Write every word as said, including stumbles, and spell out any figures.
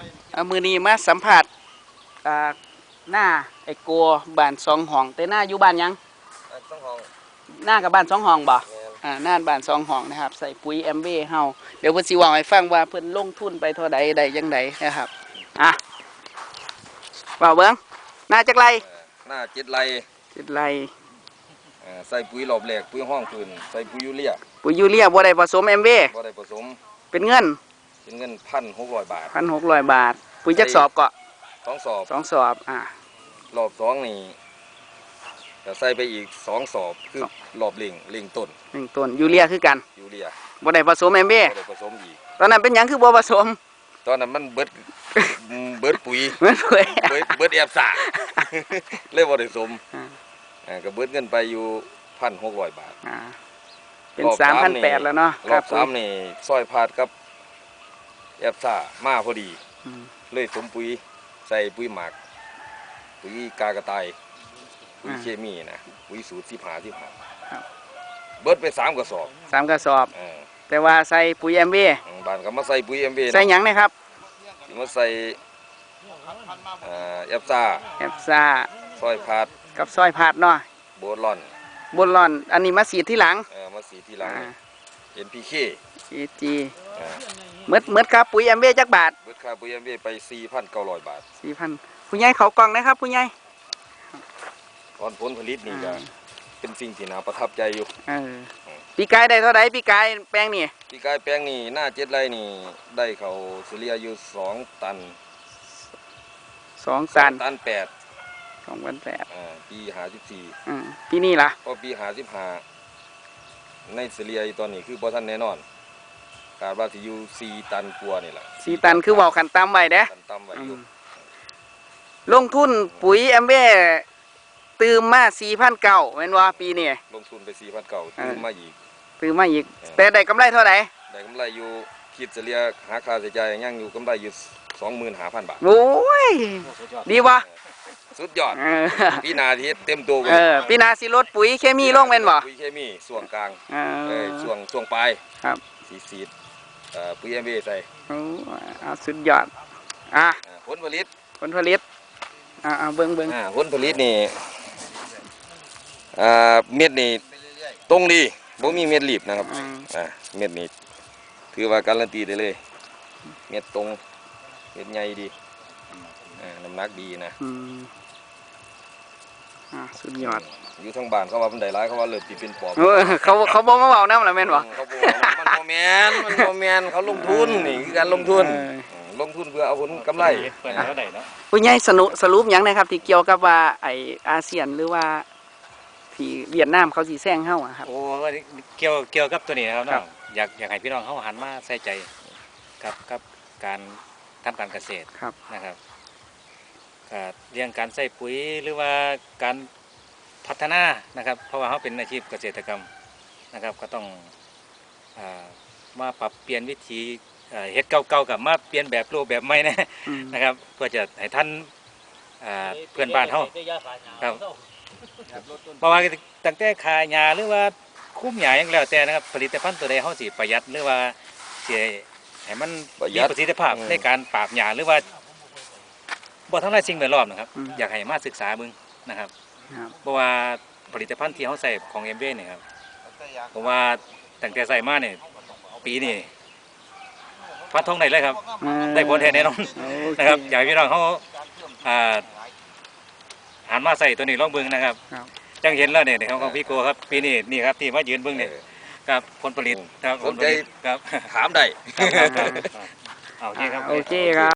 เอามือนี้มาสัมผัสหน้าไอ้กัวบ้านสองห้องแต่หน้าอยู่บ้านยังสองห้องหน้ากับบ้านสองห้องบ่อ่าหน้าบ้านสองห้องนะครับใส่ปุ๋ยแอมเบ้เฮาเดี๋ยวเพิ่นสิว่าให้ฟังว่าเพิ่นลงทุนไปเท่าใดได้จังไดนะครับอ่ะว่าเบิ่งหน้าจักไรหน้าเจ็ดไรเจ็ดไรใส่ปุ๋ยหลอบแหลกปุ๋ยห้องคืนใส่ปุ๋ยยูเรียปุ๋ยยูเรียบ่ได้ผสมแอมเบ้บ่ได้ผสมเป็นเงินเป็นเงินพันหกร้อยบาทพันหกร้อยบาทปุ๋ยจักสอบก็สองสอบสองสอบอ่ะรอบสองนี่จะใส่ไปอีกสองสอบคือรอบลิงลิงต้นลิงต้นยูเรียคือกันยูเรียบ่ได้ผสมแอมเบ้บ่ได้ผสมอีกตอนนั้นเป็นหยังคือบ่ผสมตอนนั้นมันเบิดเบิดปุ๋ยเบิดปุ๋ยเบิดแอบสาเลยบ่ได้ผสมอ่าก็เบิดเงินไปอยู่พันหกร้อยบาทอ่าเป็นสามพันแปดแล้วเนาะรอบสามนี่ซอยพาดกับแอบซ่ามาพอดีเลยสมปุ๋ยใส่ปุ๋ยหมักปุ๋ยกากระต่ายปุ๋ยเคมีนะปุ๋ยสูตรสิบหาสิบหาเบิดไปสามกระสอบสามกระสอบแต่ว่าใส่ปุ๋ยแอมเบ้บ้านก็มาใส่ปุ๋ยแอมเบ้ใส่หยังนะครับมาใส่แอบซ่าแอบซ่าซอยพาดกับซอยพาดเนาะโบลอนบนหล่อนอันนี้มาสีที่หลังเออมาสีที่หลัง เอ็น พี เคอี จี เมื่อเมื่อครับปุ๋ยแอมเบ้จักบาทเมื่อครับปุ๋ยแอมเบ้ไป สี่พันเก้าร้อย บาทสี่พัน ผู้ใหญ่เขากล่องนะครับผู้ใหญ่ตอนผลผลิตนี่ก็เป็นสิ่งที่น่าประทับใจอยู่เออปีกายได้เท่าไหร่ปีกายแปลงนี่ปีกายแปลงนี่หน้าเจ็ดไร่นี่ได้เขาเฉลี่ยอยู่สองตันสองตันตันแปดสองพันแปดปีหาสิบสี่ปีนี้ล่ะก็ปีหาสิบห้าในเฉลี่ยตอนนี้คือบ่ทันแน่นอนคาดว่าสิอยู่สี่ตันกว่านี่แหละสี่ตันคือเบาขันต่ำไว้เด้ขันต่ำไว้อยู่ลงทุนปุ๋ยแอมเบ้ตื่มมาสี่พันเก้าแม่นว่าปีนี้ลงทุนไปสี่พันเก้าตื่มมาอีกตื่มมาอีกแต่ได้กำไรเท่าไหร่ได้กำไรอยู่คิดเฉลี่ยหาค่าใช้จ่ายยังอยู่กำไรอยู่สองหมื่นห้าพันบาทโอ้ยดีวะสุดยอดปีนาที่เต็มตัวเออปีนาสิลดปุ๋ยเคมีลงแม่นบ่ปุ๋ยเคมีส่วนกลางเออช่วงช่วงปลายครับสีสีดปุ๋ยเอ็มบีใส่โอ้เอาสุดยอดอ่ะผลผลิตผลผลิตอ่าเบิ้งเบิ้งผลผลิตนี่อ่าเม็ดนี่ตรงดีบ่มีเม็ดรีบนะครับอ่าเม็ดนี่ถือว่าการันตีได้เลยเม็ดตรงเม็ดใหญ่ดีน้ำหนักดีนะสุดยอดอยู่ทั้งบ้านเขาว่ามันได้ร้ายเขาว่าเลิศตีเป็นปอบเขาเขาบอกมาเบาน้ำละแม่นบ่เขาบอกมันโมเมนมันโมเมนเขาลงทุนนี่คือการลงทุนลงทุนเพื่อเอาผลกำไรผู้ใหญ่สรุปสรุปอย่างนะครับที่เกี่ยวกับว่าไออาเซียนหรือว่าที่เวียดนามเขาสีแซงเข้าอะครับโอ้เกี่ยวเกี่ยวกับตัวนี้นะครับอยากอยากให้พี่น้องเขาหันมาใส่ใจกับกับการทำการเกษตรนะครับเรื่องการใส่ปุ๋ยหรือว่าการพัฒนานะครับเพราะว่าเขาเป็นอาชีพเกษตรกรรมนะครับก็ต้องมาปรับเปลี่ยนวิธีเฮ็ดเก่าๆกับมาเปลี่ยนแบบรูปแบบใหม่นะนะครับเพื่อจะให้ท่านเพื่อนบ้านเขาครับเพราะว่าตั้งแต่ขายยาหรือว่าคุ้มหยาอย่างแล้วแต่นะครับผลิตภัณฑ์ตัวใดเขาสิประหยัดหรือว่าสิให้มันมีประสิทธิภาพในการปราบหยาหรือว่าบ่ทั้งหลายสิ่งแวดล้อมนะครับอยากให้มาศึกษาเบิ่งนะครับเพราะว่าผลิตภัณฑ์ที่เขาใส่ของเอ็มเบ้เนี่ยครับผมว่าตั้งแต่ใส่มาเนี่ยปีนี้ฟันธงได้เลยครับได้ผลแท้แน่นอนนะครับอยากให้พี่น้องเขาหันมาใส่ตัวนี้ลองเบิ่งนะครับจังเห็นแล้วเนี่ยของพี่โกครับปีนี้นี่ครับที่มายืนเบิ่งเนี่ยครับผลผลิตครับสนใจครับถามได้โอเคครับโอเคครับ